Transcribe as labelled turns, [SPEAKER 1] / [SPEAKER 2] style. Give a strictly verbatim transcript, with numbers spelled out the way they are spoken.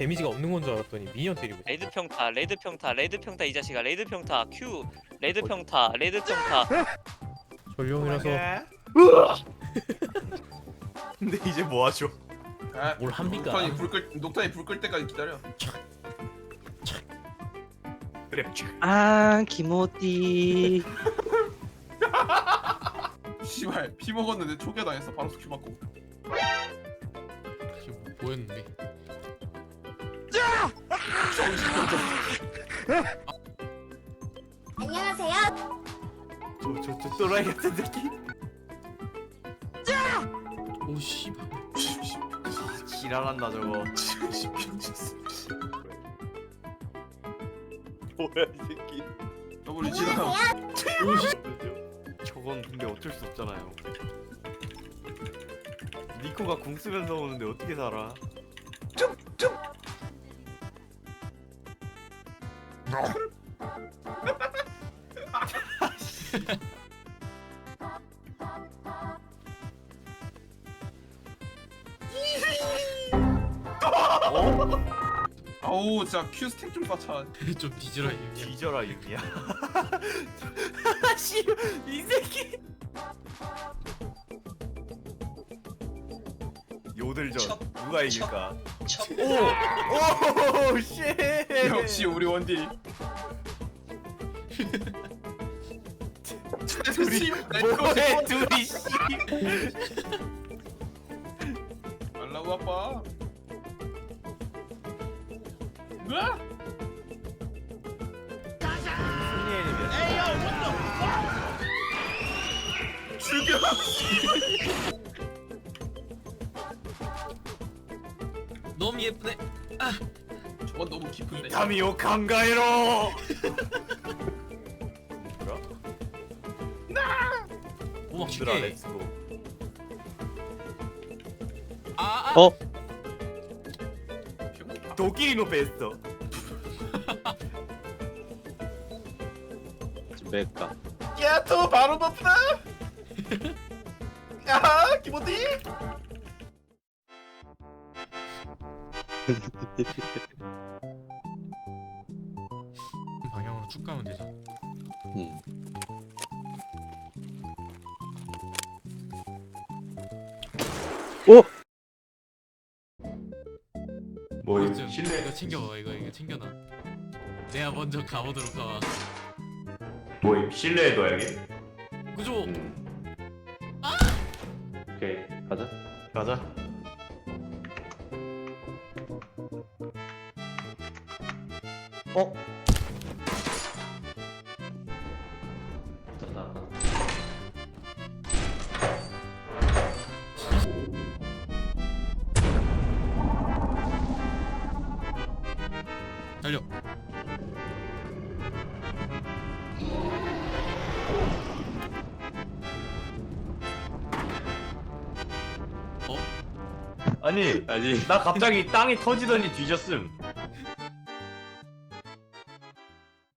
[SPEAKER 1] 데미지가 없는 건 줄 알았더니 미니언 때리고 있어.
[SPEAKER 2] 레드 평타, 레드 평타, 레드 평타 이 자식아, 레드 평타, Q, 레드 평타, 레드 평타.
[SPEAKER 1] 전룡이라서
[SPEAKER 3] 근데 이제 뭐 하죠?
[SPEAKER 4] 아,
[SPEAKER 1] 뭘 합니까?
[SPEAKER 4] 녹탄이 불끌 녹탄이 불 끌 때까지 기다려.
[SPEAKER 3] 그래.
[SPEAKER 5] 아 기모띠.
[SPEAKER 4] 씨발 피 먹었는데 초기화 당했어. 바로 큐 맞고.
[SPEAKER 1] 지금 뭐 보였는데.
[SPEAKER 4] 정신병자.
[SPEAKER 6] 안녕하세요.
[SPEAKER 3] 저저 저 또라이 같은 새끼.
[SPEAKER 1] 오 씨발.
[SPEAKER 3] 지랄한다 저거.
[SPEAKER 4] 정신병자.
[SPEAKER 3] 뭐야 이 새끼.
[SPEAKER 4] 더블 지나.
[SPEAKER 1] 오 씨.
[SPEAKER 3] 저건 근데 어쩔 수 없잖아요. 니코가 궁 쓰면서 오는데 어떻게 살아?
[SPEAKER 4] 아우 진짜 큐 스택 좀 쌓자.
[SPEAKER 1] 좀 뒤져라 이.
[SPEAKER 3] 뒤져라 유미야. 씨, 이 새끼. 요들전 누가 이길까? 오, 오, 씨.
[SPEAKER 4] 역시 우리 원딜.
[SPEAKER 3] 둘이 뭐해 둘이 씨.
[SPEAKER 4] 알라고 아빠. 으아! 죽여.
[SPEAKER 1] 너무 예쁘네.
[SPEAKER 4] 저건 너무 깊은데.
[SPEAKER 3] 타미오 강가에로. 뭐야?
[SPEAKER 1] 오막
[SPEAKER 3] 얘들아
[SPEAKER 1] 쉽게.
[SPEAKER 3] 렛츠고.
[SPEAKER 1] 아.
[SPEAKER 5] 어?
[SPEAKER 3] 도끼리노 베스트.
[SPEAKER 5] 왜까?
[SPEAKER 4] 야, 또 바로 버프다. 야, 기모디.
[SPEAKER 1] 방향으로 쭉 가면 되죠.
[SPEAKER 5] 음. 오!
[SPEAKER 3] 뭐
[SPEAKER 1] 이거 이거 챙겨봐. 이거 이거 챙겨놔. 내가 먼저 가보도록 하마.
[SPEAKER 3] 뭐 실내에 둬야겠.
[SPEAKER 1] 그죠?
[SPEAKER 5] 오케이 가자.
[SPEAKER 3] 가자.
[SPEAKER 5] 어?
[SPEAKER 1] 달려. 어?
[SPEAKER 3] 아니
[SPEAKER 5] 아니
[SPEAKER 3] 나 갑자기 땅이 터지더니 뒤졌음.